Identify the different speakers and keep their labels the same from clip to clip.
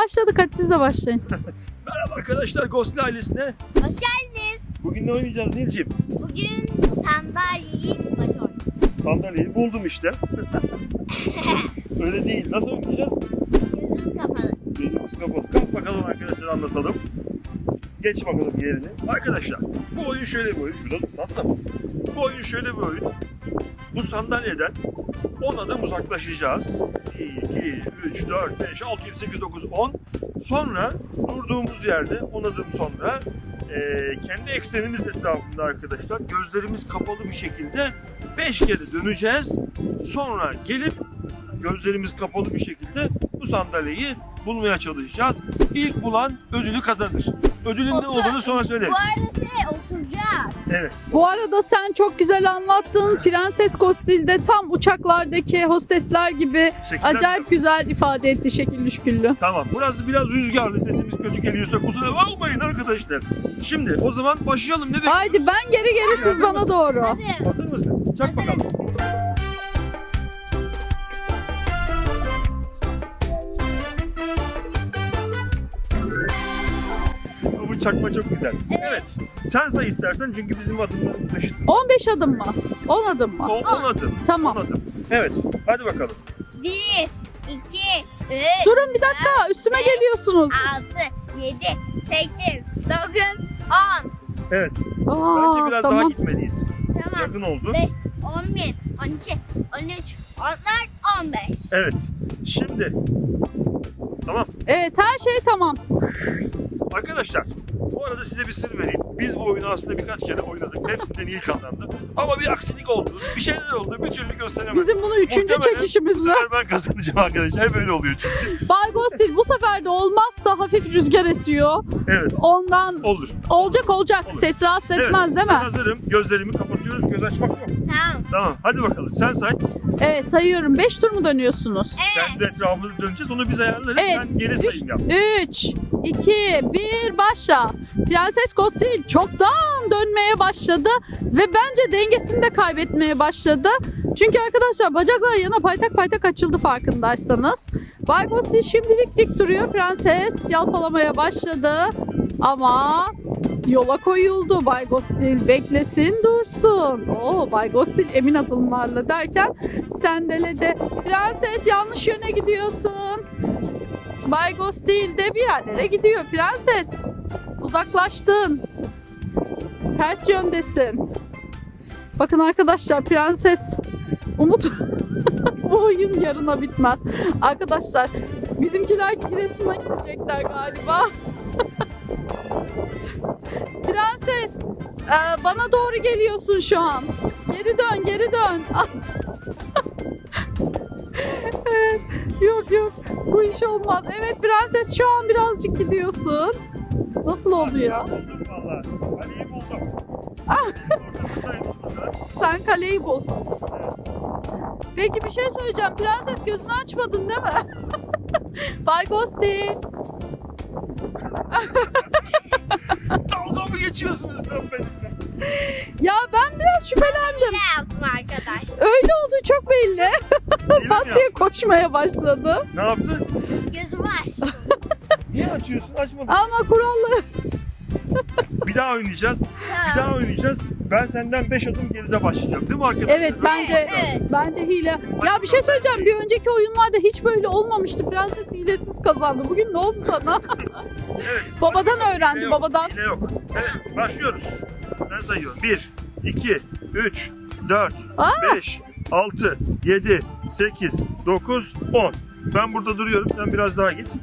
Speaker 1: başladık. Hadi siz de başlayın.
Speaker 2: Merhaba arkadaşlar, Ghostly ailesine.
Speaker 3: Hoş geldiniz.
Speaker 2: Bugün ne oynayacağız Nilciğim?
Speaker 3: Bugün sandalyeyi bakıyorum.
Speaker 2: Sandalyeyi buldum işte. Öyle değil. Nasıl oynayacağız?
Speaker 3: Gözümüz kapalı.
Speaker 2: Gözümüz kapalı. Kalk bakalım arkadaşlar, anlatalım. Geç bakalım yerini. Arkadaşlar, bu oyun şöyle bir oyun. Şurada dur, tamam mı? Bu oyun şöyle bir oyun. Bu sandalyeden 10 adım uzaklaşacağız. 1, 2, 3, 4, 5, 6, 7, 8, 9, 10. Sonra durduğumuz yerde 10 adım sonra kendi eksenimiz etrafında arkadaşlar gözlerimiz kapalı bir şekilde 5 kere döneceğiz. Sonra gelip gözlerimiz kapalı bir şekilde bu sandalyeyi bulmaya çalışacağız. İlk bulan ödülü kazanır. Ödülün ne olduğunu sonra söyleriz.
Speaker 3: Bu arada oturacak.
Speaker 2: Evet.
Speaker 1: Bu arada sen çok güzel anlattın. Prenses Ghostly'de tam uçaklardaki hostesler gibi
Speaker 2: Şekiller-
Speaker 1: acayip güzel ifade etti, şekilli şüküllü.
Speaker 2: Tamam. Burası biraz rüzgarlı. Sesimiz kötü geliyorsa kusura bakmayın arkadaşlar. Şimdi o zaman başlayalım. Ne bekliyoruz?
Speaker 1: Haydi ben geri siz bana doğru.
Speaker 3: Hadi.
Speaker 2: Hazır mısın? Çak bakalım. Bu çakma çok güzel. Evet. Sen say istersen çünkü bizim adımlarımız eşit.
Speaker 1: 15 adım mı? 10 adım mı?
Speaker 2: 10 adım.
Speaker 1: Tamam.
Speaker 2: 10 adım. Evet. Hadi bakalım.
Speaker 3: 1, 2, 3,
Speaker 1: Durun bir dakika, üstüme geliyorsunuz.
Speaker 3: 6, 7, 8, 9, 10.
Speaker 2: Evet.
Speaker 1: Aa,
Speaker 2: Bence biraz daha
Speaker 1: tamam.
Speaker 2: gitmeliyiz.
Speaker 3: Tamam.
Speaker 2: Yakın oldu.
Speaker 3: 5, 11, 12, 13, 14, 15.
Speaker 2: Evet. Şimdi. Tamam.
Speaker 1: Evet, her şey tamam.
Speaker 2: Arkadaşlar, bu arada size bir sır vereyim. Biz bu oyunu aslında birkaç kere oynadık. Hepsinden iyi kazandı. Ama bir aksilik oldu. Bir şeyler oldu. Bir türlü gösteremedim.
Speaker 1: Bizim bunu 3.
Speaker 2: Muhtemelen
Speaker 1: çekişimiz
Speaker 2: Bu
Speaker 1: mi?
Speaker 2: sefer ben kazanacağım arkadaşlar. Hep öyle oluyor çünkü.
Speaker 1: Bay Ghostly bu sefer de olmazsa hafif rüzgar esiyor.
Speaker 2: Evet.
Speaker 1: Ondan
Speaker 2: Olur.
Speaker 1: olacak.
Speaker 2: Olur.
Speaker 1: Ses rahatsız etmez değil
Speaker 2: Ben
Speaker 1: mi?
Speaker 2: hazırım. Gözlerimi kapatıyoruz. Göz açmak yok.
Speaker 3: Tamam.
Speaker 2: Tamam. Hadi bakalım. Sen say.
Speaker 1: Evet, sayıyorum. 5 tur mu dönüyorsunuz?
Speaker 3: Evet.
Speaker 2: Kendi etrafımızı döneceğiz. Onu biz ayarlarız.
Speaker 1: Evet.
Speaker 2: Sen geri sayım yap.
Speaker 1: 3, 2, 1 başla. Prenses Ghostly çoktan dönmeye başladı ve bence dengesini de kaybetmeye başladı. Çünkü arkadaşlar bacaklar yana paytak paytak açıldı farkındaysanız. Bay Ghostly şimdilik dik duruyor. Prenses yalpalamaya başladı ama yola koyuldu. Bay Ghostly beklesin dursun. Oo, Bay Ghostly emin adımlarla derken sendeledi. Prenses yanlış yöne gidiyorsun. Bay Ghostly de bir yerlere gidiyor. Prenses uzaklaştın. Ters yöndesin. Bakın arkadaşlar, prenses Umut bu oyun yarına bitmez. Arkadaşlar bizimkiler Giresun'a gidecekler galiba. Prenses bana doğru geliyorsun şu an. Geri dön, geri dön. Evet, yok bu iş olmaz. Evet prenses, şu an birazcık gidiyorsun. Nasıl oldu ya?
Speaker 2: Buldum valla. Kaleyi buldum.
Speaker 1: Ah.
Speaker 2: Ortasındayım burada.
Speaker 1: Sen kaleyi bul. Peki bir şey söyleyeceğim. Prenses, gözünü açmadın değil mi? Bay Ghostly.
Speaker 2: Dalga mı geçiyorsunuz lan benimle?
Speaker 1: Ya ben biraz şüphelendim.
Speaker 3: Ne yaptım arkadaş?
Speaker 1: Öyle olduğu çok belli.
Speaker 2: Değil mi
Speaker 1: Pat
Speaker 2: ya?
Speaker 1: diye koşmaya başladı.
Speaker 2: Ne yaptın?
Speaker 3: Gözümü aç.
Speaker 2: Niye açıyorsun? Açmadın.
Speaker 1: Ama kuralları...
Speaker 2: Bir daha oynayacağız. Bir
Speaker 3: Tamam.
Speaker 2: daha oynayacağız. Ben senden 5 adım geride başlayacağım. Değil mi arkadaşlar?
Speaker 1: Evet, bence
Speaker 3: Evet.
Speaker 1: bence hile. Ya bir şey söyleyeceğim. Bir önceki oyunlarda hiç böyle olmamıştı. Prenses hilesiz kazandı. Bugün ne oldu sana?
Speaker 2: Evet.
Speaker 1: Babadan
Speaker 2: Hile
Speaker 1: öğrendi,
Speaker 2: yok,
Speaker 1: babadan.
Speaker 2: Hile yok. Evet, başlıyoruz. Ben sayıyorum. 1, 2, 3, 4,
Speaker 1: Aa!
Speaker 2: 5, 6, 7, 8, 9, 10. Ben burada duruyorum. Sen biraz daha git.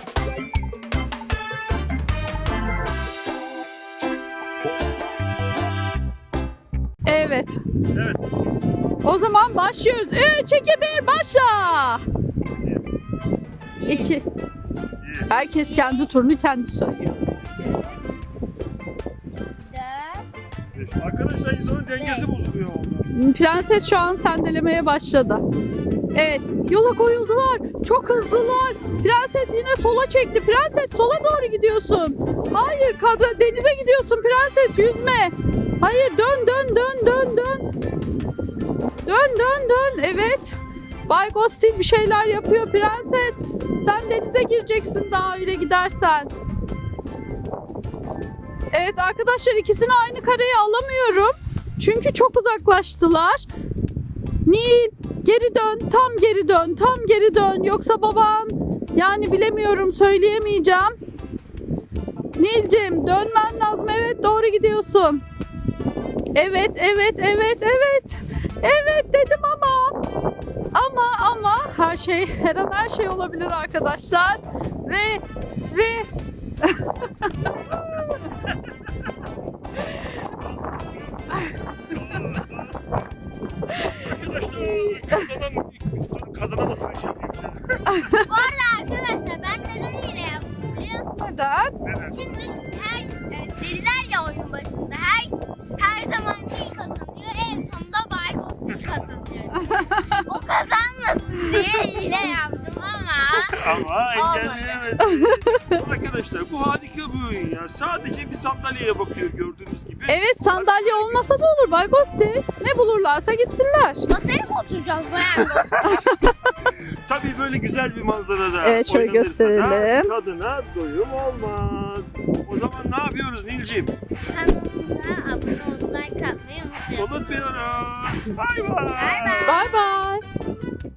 Speaker 1: Evet.
Speaker 2: Evet.
Speaker 1: O zaman başlıyoruz. 3, 2, 1 başla. 2.
Speaker 2: İyi.
Speaker 1: Herkes kendi turunu kendi söylüyor.
Speaker 3: 4,
Speaker 2: Arkadaşlar insanın dengesi bozuluyor orada.
Speaker 1: Prenses şu an sendelemeye başladı. Evet, yola koyuldular. Çok hızlılar. Prenses yine sola çekti. Prenses sola doğru gidiyorsun. Hayır, denize gidiyorsun prenses, yüzme. Hayır, dön. Dön. Evet. Bay Ghostil bir şeyler yapıyor prenses. Sen denize gireceksin daha öyle gidersen. Evet arkadaşlar ikisini aynı kareye alamıyorum. Çünkü çok uzaklaştılar. Nil geri dön, tam geri dön, tam geri dön. Yoksa baban yani bilemiyorum söyleyemeyeceğim. Nilcim dönmen lazım. Evet doğru gidiyorsun. Evet, evet, evet, evet. Evet dedim ama her şey her an her şey olabilir arkadaşlar. Ve
Speaker 2: Kazanamadın şimdi.
Speaker 3: Bu arada arkadaşlar ben neden hile yaptım biliyor musun?
Speaker 1: neden?
Speaker 3: Şimdi dediler ya oyun başında her zaman Nil kazanıyor. En sonunda Bay Ghostil kazanıyor. O kazanmasın diye hile yaptım
Speaker 2: Ama engelleyemedim. Arkadaşlar bu harika bir oyun ya. Sadece bir sandalyeye bakıyor gördüğünüz gibi.
Speaker 1: Evet sandalye olmasa da olur Bay Ghostil. Ne bulurlarsa gitsinler.
Speaker 3: masaya mı oturacağız Bayan Ghostil?
Speaker 2: Tabii böyle güzel bir manzarada
Speaker 1: Evet, şöyle
Speaker 2: oynanırsa da
Speaker 1: gösterelim.
Speaker 2: tadına doyum olmaz. O zaman ne yapıyoruz Nilciğim?
Speaker 3: Kanalımıza abone olmayı, like atmayı unutmayın.
Speaker 2: Unutmuyoruz. Bay bay.
Speaker 3: Bay bay.
Speaker 1: Bay bay.